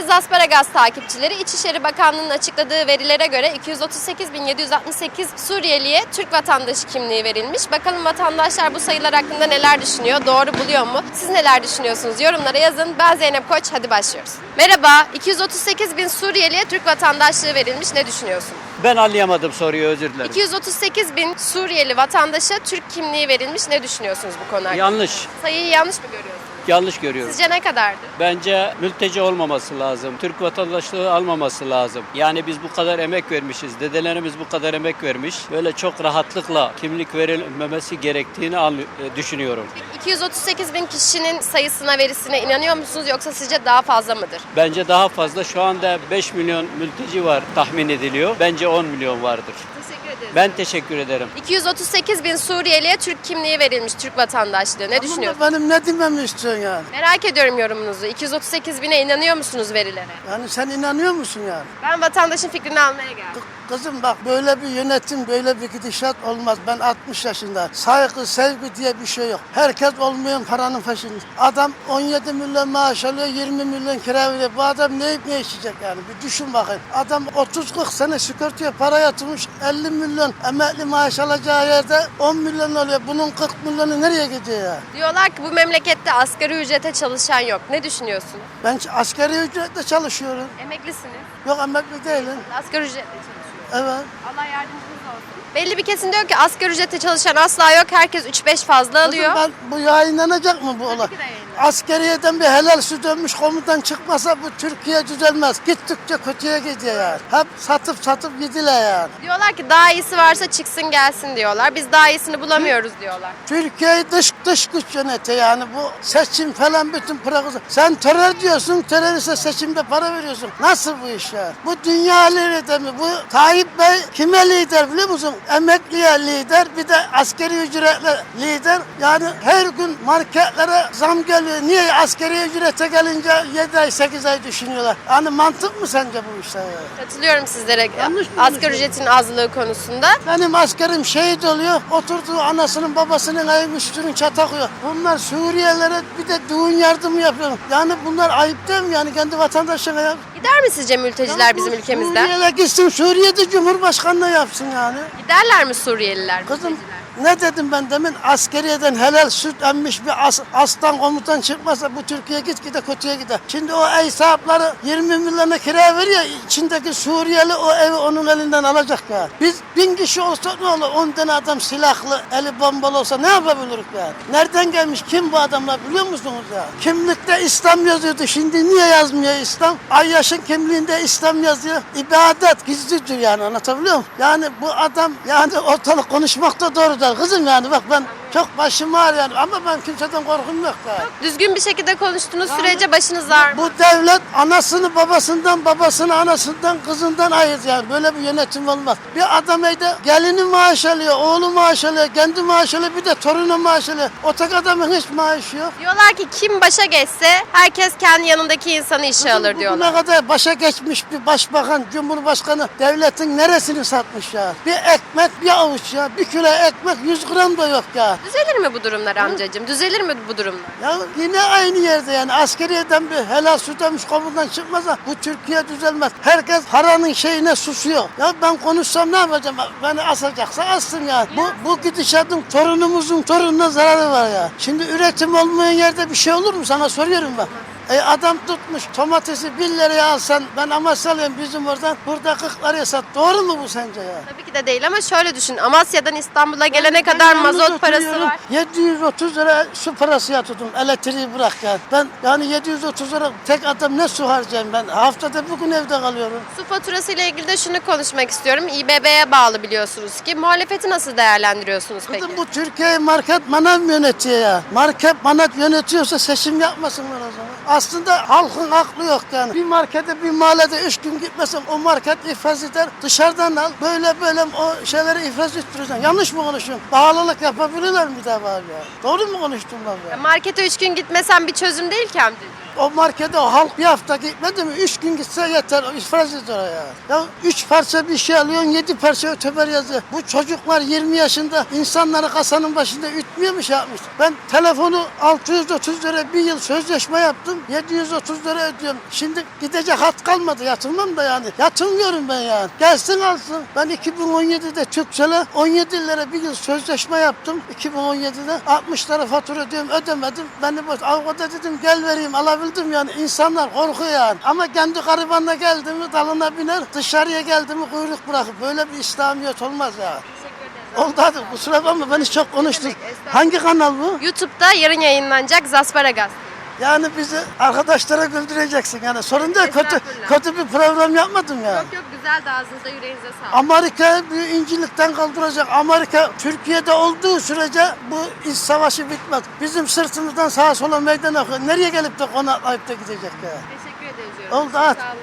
Aziz Asparagas takipçileri, İçişleri Bakanlığı'nın açıkladığı verilere göre 238.768 Suriyeliye Türk vatandaşı kimliği verilmiş. Bakalım vatandaşlar bu sayılar hakkında neler düşünüyor, doğru buluyor mu? Siz neler düşünüyorsunuz? Yorumlara yazın. Ben Zeynep Koç, hadi başlıyoruz. Merhaba, 238.000 Suriyeliye Türk vatandaşlığı verilmiş. Ne düşünüyorsun? Ben anlayamadım soruyu, özür dilerim. 238.000 Suriyeli vatandaşa Türk kimliği verilmiş. Ne düşünüyorsunuz bu konu hakkında? Yanlış. Sayıyı yanlış mı görüyorsunuz? Yanlış görüyorum. Sizce ne kadardı? Bence mülteci olmaması lazım. Türk vatandaşlığı almaması lazım. Yani biz bu kadar emek vermişiz. Dedelerimiz bu kadar emek vermiş. Böyle çok rahatlıkla kimlik verilmemesi gerektiğini düşünüyorum. 238.000 kişinin sayısına, verisine inanıyor musunuz, yoksa sizce daha fazla mıdır? Bence daha fazla. Şu anda 5 milyon mülteci var tahmin ediliyor. Bence 10 milyon vardır. Teşekkür ederim. Ben teşekkür ederim. 238.000 Suriyeliye Türk kimliği verilmiş, Türk vatandaşlığı. Ne düşünüyorsunuz? Benim ne dememi istiyorsun yani? Merak ediyorum yorumunuzu. 238.000'e inanıyor musunuz verilere? Yani sen inanıyor musun yani? Ben vatandaşın fikrini almaya geldim. Kızım bak, böyle bir yönetim, böyle bir gidişat olmaz. Ben 60 yaşında. Saygı, sevgi diye bir şey yok. Herkes olmayan paranın peşinde. Adam 17 milyon maaş alıyor, 20 milyon kira veriyor. Bu adam ne yiyip ne içecek yani? Bir düşün bakayım. Adam 30-40 sene sigortaya para yatırmış, 50 milyon emekli maaş alacağı yerde 10 milyon oluyor. Bunun 40 milyonu nereye gidiyor ya? Diyorlar ki bu memlekette asgari ücrete çalışan yok. Ne düşünüyorsun? Ben asgari ücretle çalışıyorum. Emeklisiniz. Yok, emekli değilim. Asgari ücretle çalışıyorsunuz. Evet. Allah yardımcınız olsun. Belli bir kesim diyor ki asgari ücretle çalışan asla yok. Herkes 3-5 fazla alıyor. Kızım, bu yayınlanacak mı bu olay? ki de yayınlanacak. Askeriyeden bir helal süt dönmüş komutan çıkmasa bu Türkiye düzelmez. Gittikçe kötüye gidiyor yani. Hep satıp gidiler yani. Diyorlar ki daha iyisi varsa çıksın gelsin diyorlar. Biz daha iyisini bulamıyoruz diyorlar. Türkiye'yi dış güç yönetiyor yani, bu seçim falan bütün programı. Sen terör diyorsun, teröriste seçimde para veriyorsun. Nasıl bu iş ya? Bu dünya lideri mi? Bu Tayyip Bey kime lider biliyor musun? Emekliye lider, bir de askeri ücretle lider. Yani her gün marketlere zam geliyor. Niye askeri ücrete gelince 7 ay 8 ay düşünüyorlar? Yani mantık mı sence bu işler ya? Katılıyorum sizlere Yanlış mı asgari ücretin azlığı konusunda. Benim askerim şehit oluyor, oturduğu anasının babasının ayıp üstünün çatakıyor. Bunlar Suriyelilere bir de düğün yardımı yapıyor. Yani bunlar ayıp değil mi yani, kendi vatandaşına ya? Gider mi sizce mülteciler bizim Bu ülkemizden? Suriyel'e gitsin, Suriye'de Cumhurbaşkanlığı yapsın yani. Giderler mi Suriyeliler? Kızım, mülteciler? ne dedim ben demin? Askeriyeden helal süt emmiş bir aslan komutan çıkmasa bu Türkiye gitgide kötüye gider. Şimdi o ev sahipleri 20 milyona kira veriyor. İçindeki Suriyeli o evi onun elinden alacak ya. Biz 1000 kişi olsa ne olur? 10 tane adam silahlı, eli bombalı olsa ne yapabiliriz ya? Nereden gelmiş? Kim bu adamlar biliyor musunuz ya? Kimlikte İslam yazıyordu. Şimdi niye yazmıyor İslam? Ayyaş'ın kimliğinde İslam yazıyor. İbadet gizlidir yani, anlatabiliyor muyum? Yani bu adam yani ortalık konuşmakta doğrudur. Kızım yani bak, ben çok başım ağrıyor yani, ama ben kimseden korkum yok ya. Düzgün bir şekilde konuştuğunuz sürece başınız ağrımaz. Bu devlet anasını babasından, babasını anasından, kızından ayırdı yani. Böyle bir yönetim olmaz. Bir adam evde gelini maaş alıyor, oğlu maaş alıyor, kendi maaş alıyor, bir de torunu maaş alıyor. Otak adamın hiç maaşı yok. Diyorlar ki kim başa geçse herkes kendi yanındaki insanı işe alır diyorlar. Ne kadar başa geçmiş bir başbakan, cumhurbaşkanı devletin neresini satmış ya? Bir ekmek, bir avuç ya. Bir kilo ekmek 100 gram da yok ya. Düzelir mi bu durumlar amcacığım? Düzelir mi bu durumlar? Ya yine aynı yerde yani, askeriyeden bir helal süt emmiş komutan çıkmasa bu Türkiye düzelmez. Herkes paranın şeyine susuyor. Ya ben konuşsam ne yapacağım? Beni asacaksa assın ya. Bu gidişatın torunumuzun torununa zararı var ya. Şimdi üretim olmayan yerde bir şey olur mu? Sana soruyorum bak. Adam tutmuş domatesi 1 liraya alsan, ben Amasyalıyım bizim oradan, burada 40 liraya sat. Doğru mu bu sence ya? Tabii ki de değil ama şöyle düşün. Amasya'dan İstanbul'a gelene kadar mazot parası var. 730 lira su parası yatırdım. Elektriği bırak ya. Ben yani 730 lira tek adam ne su harcayayım ben? Haftada bugün evde kalıyorum. Su faturası ile ilgili de şunu konuşmak istiyorum. İBB'ye bağlı biliyorsunuz ki. Muhalefeti nasıl değerlendiriyorsunuz peki? Kızım, bu Türkiye'yi market manav yönetiyor ya. Market manav yönetiyorsa seçim yapmasınlar o zaman. Aslında halkın aklı yok yani. Bir markete, bir mahallede 3 gün gitmesen o market iflas eder. Dışarıdan al. Böyle o şeyleri iflas ettireceksin. Yanlış mı konuşuyorum? Pahalılık yapabilirler mi bir daha var ya? Doğru mu konuştum ben ya? Markete 3 gün gitmesen bir çözüm değil ki amcacığım. O markete o halk bir hafta gitmedi mi? 3 gün gitse yeter. O iflas eder ya. Ya 3 parça bir şey alıyorsun, 7 parça öteber yazıyor. Bu çocuklar 20 yaşında insanları kasanın başında ütmüyor mu, şey yapmış? Ben telefonu 630 lira bir yıl sözleşme yaptım. ödüyorum. 730 lira ödüyorum. Şimdi gidecek hat kalmadı. Yatırmam da yani. Yatırmıyorum ben yani. Gelsin alsın. Ben 2017'de Türkcell'e 17 lira bir yıl sözleşme yaptım. 2017'de 60 lira fatura ödüyorum. Ödemedim. Beni boş. Avukata dedim gel vereyim. Alabildim yani. İnsanlar korkuyor yani. Ama kendi garibanına geldi mi dalına biner. Dışarıya geldi mi kuyruk bırakıp. Böyle bir İslamiyet olmaz ya. Oldu hadi kusura bakma beni çok konuştun. Hangi kanal bu? YouTube'da yarın yayınlanacak Zasparagas. Yani bizi arkadaşlara güldüreceksin yani sorun değil kötü bir program yapmadım ya. Yok güzel de ağzınıza yüreğinize sağlık. Amerika bir incilikten kaldıracak. Amerika Türkiye'de olduğu sürece bu iç savaşı bitmez. Bizim sırtımızdan sağa sola meydan okuyor. Nereye gelip de konaklayıp da gidecek ya? Teşekkür ederiz. Oldu hadi. Sağ olun.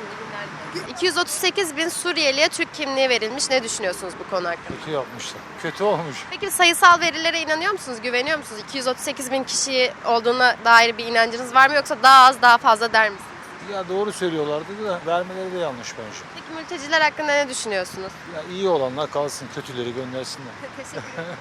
238 bin Suriyeli'ye Türk kimliği verilmiş. Ne düşünüyorsunuz bu konu hakkında? Kötü yapmışlar. Kötü olmuş. Peki sayısal verilere inanıyor musunuz? Güveniyor musunuz? 238 bin kişi olduğuna dair bir inancınız var mı? Yoksa daha az daha fazla der misiniz? Ya doğru söylüyorlardı da vermeleri de yanlış bence. Peki mülteciler hakkında ne düşünüyorsunuz? Ya iyi olanlar kalsın, kötüleri göndersinler. Teşekkür ederim.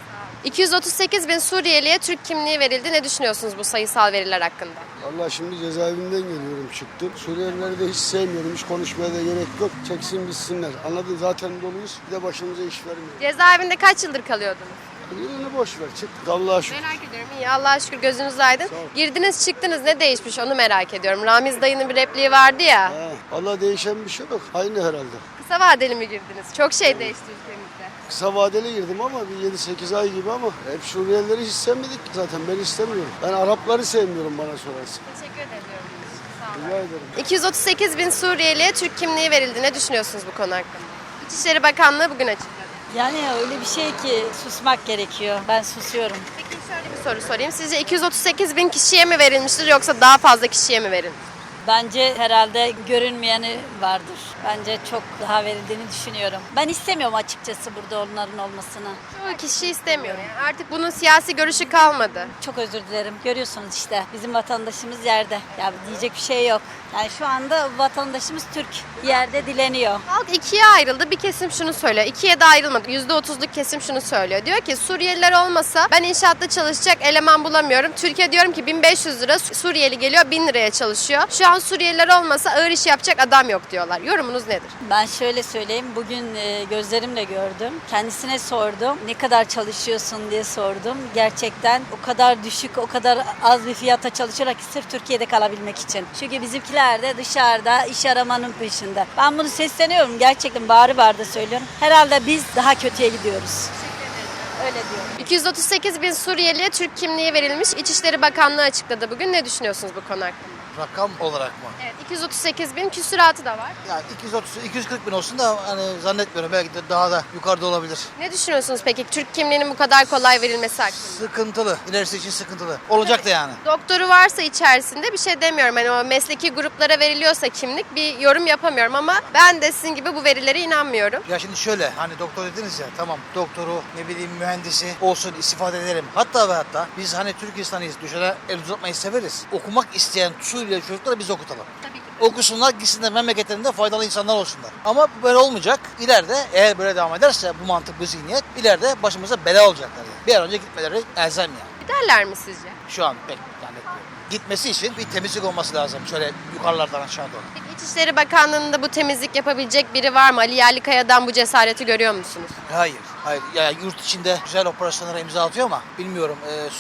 238 bin Suriyeli'ye Türk kimliği verildi. Ne düşünüyorsunuz bu sayısal veriler hakkında? Vallahi şimdi cezaevinden geliyorum çıktım. Suriyelileri de hiç sevmiyorum. Hiç konuşmaya da gerek yok. Çeksin bitsinler. Anladın zaten doluyuz. Bir de başımıza iş vermiyor. Cezaevinde kaç yıldır kalıyordunuz? Yılını boş ver. Çıktık Allah'a şükür. Merak ediyorum. İyi Allah'a şükür gözünüz aydın. Sağ ol. Girdiniz çıktınız ne değişmiş onu merak ediyorum. Ramiz dayının bir repliği vardı ya. Ha, vallahi değişen bir şey yok. Aynı herhalde. Kısa vadeli mi girdiniz? Çok şey değişti ülkemizde. Kısa vadeli girdim ama bir 7-8 ay gibi ama hep Suriyelileri hiç sevmedik ki zaten. Ben istemiyorum. Ben Arapları sevmiyorum bana sorarsın. Teşekkür ediyorum. Rica ederim. 238 bin Suriyeli'ye Türk kimliği verildi. Ne düşünüyorsunuz bu konu hakkında? İçişleri Bakanlığı bugün açıkladı. Yani öyle bir şey ki susmak gerekiyor. Ben susuyorum. Peki şöyle bir soru sorayım. Sizce 238 bin kişiye mi verilmiştir yoksa daha fazla kişiye mi verilmiş? Bence herhalde görünmeyeni vardır. Bence çok daha verildiğini düşünüyorum. Ben istemiyorum açıkçası burada onların olmasını. Çoğu kişi istemiyor. Yani artık bunun siyasi görüşü kalmadı. Çok özür dilerim. Görüyorsunuz işte bizim vatandaşımız yerde. Ya diyecek bir şey yok. Yani şu anda vatandaşımız Türk. Yerde dileniyor. Halk ikiye ayrıldı. Bir kesim şunu söylüyor. İkiye de ayrılmadı. %30'luk kesim şunu söylüyor. Diyor ki Suriyeliler olmasa ben inşaatta çalışacak eleman bulamıyorum. Türkiye diyorum ki 1500 lira Suriyeli geliyor 1000 liraya çalışıyor. Şu an Suriyeliler olmasa ağır iş yapacak adam yok diyorlar. Yorumunuz nedir? Ben şöyle söyleyeyim. Bugün gözlerimle gördüm. Kendisine sordum. Ne kadar çalışıyorsun diye sordum. Gerçekten o kadar düşük, o kadar az bir fiyata çalışarak sırf Türkiye'de kalabilmek için. Çünkü bizimkiler de dışarıda iş aramanın peşinde. Ben bunu sesleniyorum. Gerçekten bağırı bağırı söylüyorum. Herhalde biz daha kötüye gidiyoruz. Öyle diyorum. 238 bin Suriyeli'ye Türk kimliği verilmiş. İçişleri Bakanlığı açıkladı bugün. Ne düşünüyorsunuz bu konu hakkında? Rakam olarak mı? Evet, 238 bin küsuratı da var. Yani 240 bin olsun da hani zannetmiyorum. Belki de daha da yukarıda olabilir. Ne düşünüyorsunuz peki Türk kimliğinin bu kadar kolay verilmesi hakkında? Sıkıntılı. İlerisi için sıkıntılı. Olacak da yani. Doktoru varsa içerisinde bir şey demiyorum. Hani o mesleki gruplara veriliyorsa kimlik bir yorum yapamıyorum ama ben de sizin gibi bu verilere inanmıyorum. Ya şimdi şöyle hani doktor dediniz ya tamam doktoru ne bileyim mühendisi olsun istifade edelim. Hatta ve hatta biz hani Türk insanıyız. Dışarı el uzatmayı severiz. Okumak isteyen Suriyeli çocukları biz okutalım. Tabii ki. Okusunlar gitsinler memleketlerinde faydalı insanlar olsunlar. Ama böyle olmayacak. İleride eğer böyle devam ederse bu mantık bu zihniyet ileride başımıza bela olacaklar. Yani. Bir an önce gitmeleri elzem yani. Giderler mi sizce? Şu an pek zannetmiyorum. Gitmesi için bir temizlik olması lazım. Şöyle yukarılardan aşağı doğru. Peki İçişleri Bakanlığı'nda bu temizlik yapabilecek biri var mı? Ali Yerlikaya'dan bu cesareti görüyor musunuz? Hayır. Hayır. Ya yurt içinde güzel operasyonlara imza atıyor ama bilmiyorum.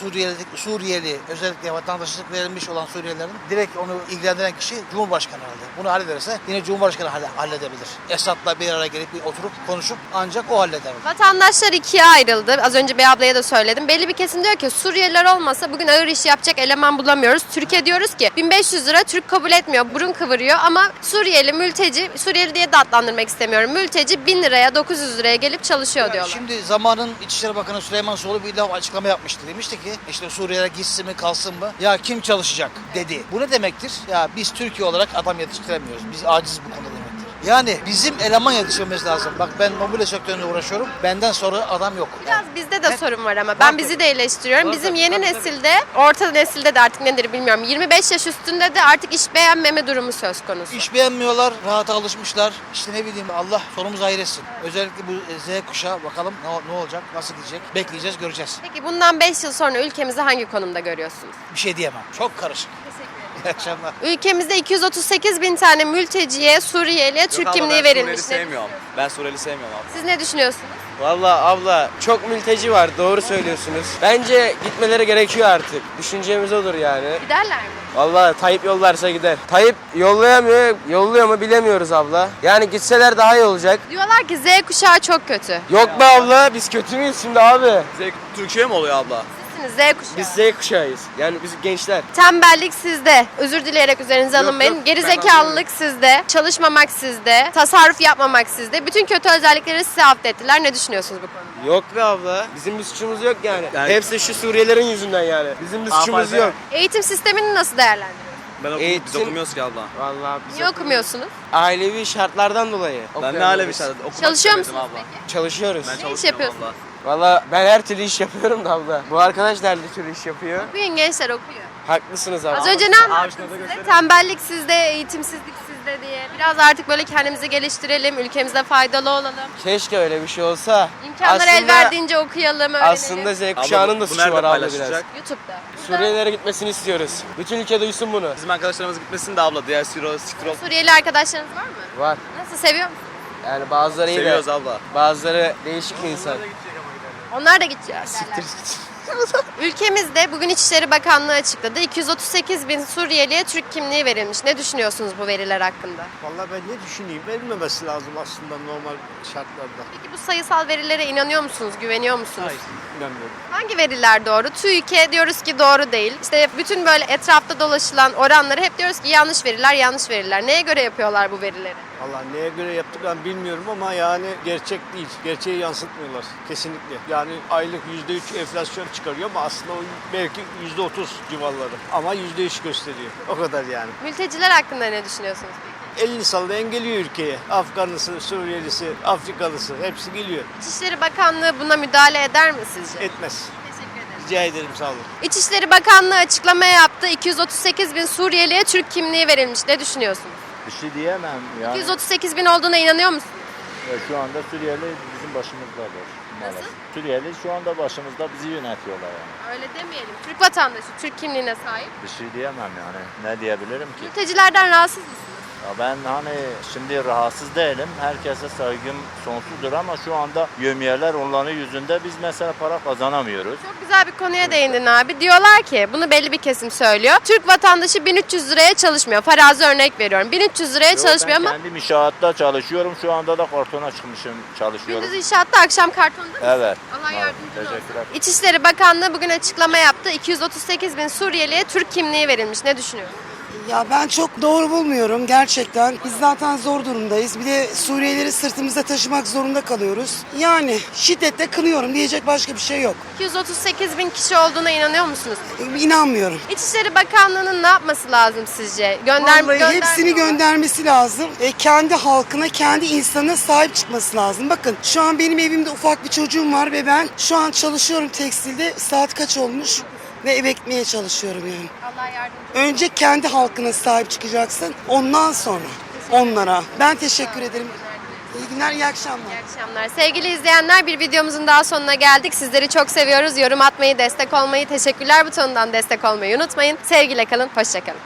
Suriyeli özellikle vatandaşlık verilmiş olan Suriyelilerin direkt onu ilgilendiren kişi Cumhurbaşkanı herhalde. Bunu hallederse yine Cumhurbaşkanı halledebilir. Esad'la bir araya gelip bir oturup konuşup ancak o halleder. Vatandaşlar ikiye ayrıldı. Az önce Bey ablaya da söyledim. Belli bir kesim diyor ki Suriyeliler olmasa bugün ağır iş yapacak eleman bulamıyoruz. Türkiye diyoruz ki 1500 lira Türk kabul etmiyor. Burun kıvırıyor ama Suriyeli mülteci, Suriyeli diye de adlandırmak istemiyorum. Mülteci 1000 liraya 900 liraya gelip çalışıyor diyorlar. Şimdi zamanın İçişleri Bakanı Süleyman Soylu bir açıklama yapmıştı. Demişti ki işte Suriye'ye gitsin mi kalsın mı? Ya kim çalışacak dedi. Bu ne demektir? Ya biz Türkiye olarak adam yetiştiremiyoruz. Biz aciz bu konuda demektir. Yani bizim eleman yetiştirmemiz lazım. Bak ben mobilya sektöründe uğraşıyorum. Benden sonra adam yok. Biraz bizde de sorun var ama ben bizi de eleştiriyorum. Bizim yeni nesilde, orta nesilde de artık nedir bilmiyorum. 25 yaş üstünde de artık iş beğenmeme durumu söz konusu. İş beğenmiyorlar, rahata alışmışlar. İşte ne bileyim Allah sonumuzu hayır etsin. Özellikle bu Z kuşağı bakalım ne olacak, nasıl gidecek? Bekleyeceğiz, göreceğiz. Peki bundan 5 yıl sonra ülkemizi hangi konumda görüyorsunuz? Bir şey diyemem. Çok karışık. İyi akşamlar. Ülkemizde 238 bin tane mülteciye, Suriyeli'ye Türk kimliği verilmiş. Ne sevmiyorum. Ben Suriyeli sevmiyorum abla. Siz ne düşünüyorsunuz? Vallahi abla çok mülteci var, doğru söylüyorsunuz. Bence gitmeleri gerekiyor artık. Düşüncemiz odur yani. Giderler mi? Vallahi Tayyip yollarsa gider. Tayyip yollayamıyor, yolluyor mu bilemiyoruz abla. Yani gitseler daha iyi olacak. Diyorlar ki Z kuşağı çok kötü. Yok be abla, biz kötü müyüz şimdi abi? Türkiye mi oluyor abla? Sizsiniz Z kuşağı. Biz Z kuşağıyız. Yani biz gençler. Tembellik sizde. Özür dileyerek üzerinize alınmayın. yok, Gerizekalılık sizde. Çalışmamak sizde. Tasarruf yapmamak sizde. Bütün kötü özellikleri size affettiler. Ne düşünüyorsunuz bu konuda? Yok be abla. Bizim bir suçumuz yok yani. Yani- Hepsi şu Suriyelilerin yüzünden yani. Bizim bir suçumuz yok. Eğitim sistemini nasıl değerlendiriyorsunuz? Ben Biz okumuyoruz ki abla. Vallahi biz Niye okumuyorsunuz? ailevi şartlardan dolayı. Ben ne okuyamıyoruz. hale bir şey okumak Çalışıyor istemedim musunuz abla. peki? Çalışıyoruz. Ben Ne iş çalışmıyorum yapıyorsunuz? abla. Valla ben her türlü iş yapıyorum da abla. Bu arkadaş da her türlü iş yapıyor. Okuyun gençler, okuyun. Haklısınız abla. Az önce ne anlattım size? Tembellik sizde, eğitimsizlik sizde diye. Biraz artık böyle kendimizi geliştirelim, ülkemize faydalı olalım. Keşke öyle bir şey olsa. İmkanlar el verdiğince okuyalım, öğrenelim. Aslında Z kuşağının da bu suçu nerede var abla paylaşılacak? biraz. YouTube'da. Suriyelilere gitmesini istiyoruz. Bütün ülke duysun bunu. Bizim arkadaşlarımız gitmesin de abla. Diğer siktir Suriyeli arkadaşlarınız var mı? Var. Nasıl, seviyor musunuz? Yani bazıları iyi de seviyoruz abla. bazıları değişik bir insan. Onlar da gidecek. Ülkemizde bugün İçişleri Bakanlığı açıkladı. 238 bin Suriyeliye Türk kimliği verilmiş. Ne düşünüyorsunuz bu veriler hakkında? Vallahi ben ne düşüneyim? Verilmemesi lazım aslında normal şartlarda. Peki bu sayısal verilere inanıyor musunuz? Güveniyor musunuz? İnanmıyorum. Hangi veriler doğru? TÜİK'e diyoruz ki doğru değil. İşte bütün böyle etrafta dolaşılan oranları hep diyoruz ki yanlış veriler, yanlış veriler. Neye göre yapıyorlar bu verileri? Vallahi neye göre yaptıklarını bilmiyorum ama yani gerçek değil. Gerçeği yansıtmıyorlar kesinlikle. Yani aylık %3 enflasyon çıkarıyor ama aslında o belki %30 civarları. Ama %3 gösteriyor. O kadar yani. Mülteciler hakkında ne düşünüyorsunuz peki? Elini sallayan geliyor ülkeye. Afganlısı, Suriyelisi, Afrikalısı hepsi geliyor. İçişleri Bakanlığı buna müdahale eder mi sizce? Etmez. Teşekkür ederim. Rica ederim, sağ olun. İçişleri Bakanlığı açıklama yaptı. 238 bin Suriyeliye Türk kimliği verilmiş. Ne düşünüyorsunuz? Bir şey diyemem yani. 238 bin olduğuna inanıyor musunuz? Şu anda Suriyeli bizim başımızdadır. Nasıl? Suriyeli şu anda başımızda, bizi yönetiyorlar yani. Öyle demeyelim. Türk vatandaşı, Türk kimliğine sahip. Bir şey diyemem yani. Ne diyebilirim ki? Mültecilerden rahatsız mısınız? Ya ben hani şimdi rahatsız değilim. Herkese saygım sonsuzdur ama şu anda yevmiyeler onların yüzünde biz mesela para kazanamıyoruz. Çok güzel bir konuya değindin abi. Diyorlar ki, bunu belli bir kesim söylüyor. Türk vatandaşı 1300 liraya çalışmıyor. Farazi örnek veriyorum. 1300 liraya çalışmıyor ben ama kendim inşaatta çalışıyorum. Şu anda da kartona çıkmışım, çalışıyorum. gündüz inşaatta, akşam kartonda mısın? Evet. Allah yardımcın olsun. Teşekkürler. İçişleri Bakanlığı bugün açıklama yaptı. 238 bin Suriyeliye Türk kimliği verilmiş. Ne düşünüyorsun? Ya ben çok doğru bulmuyorum gerçekten. Biz zaten zor durumdayız. Bir de Suriyelileri sırtımızda taşımak zorunda kalıyoruz. Yani şiddetle kınıyorum, diyecek başka bir şey yok. 238 bin kişi olduğuna inanıyor musunuz? İnanmıyorum. İçişleri Bakanlığı'nın ne yapması lazım sizce? Vallahi hepsini göndermesi lazım. Kendi halkına, kendi insanına sahip çıkması lazım. Bakın şu an benim evimde ufak bir çocuğum var ve ben şu an çalışıyorum tekstilde. Saat kaç olmuş? Ve eve gitmeye çalışıyorum yani. Allah yardımcı olsun. Önce kendi halkına sahip çıkacaksın. Ondan sonra onlara. Ben teşekkür ederim. İyi günler, iyi akşamlar. İyi akşamlar. Sevgili izleyenler, bir videomuzun daha sonuna geldik. Sizleri çok seviyoruz. Yorum atmayı, destek olmayı, teşekkürler butonundan destek olmayı unutmayın. Sevgiyle kalın, hoşça kalın.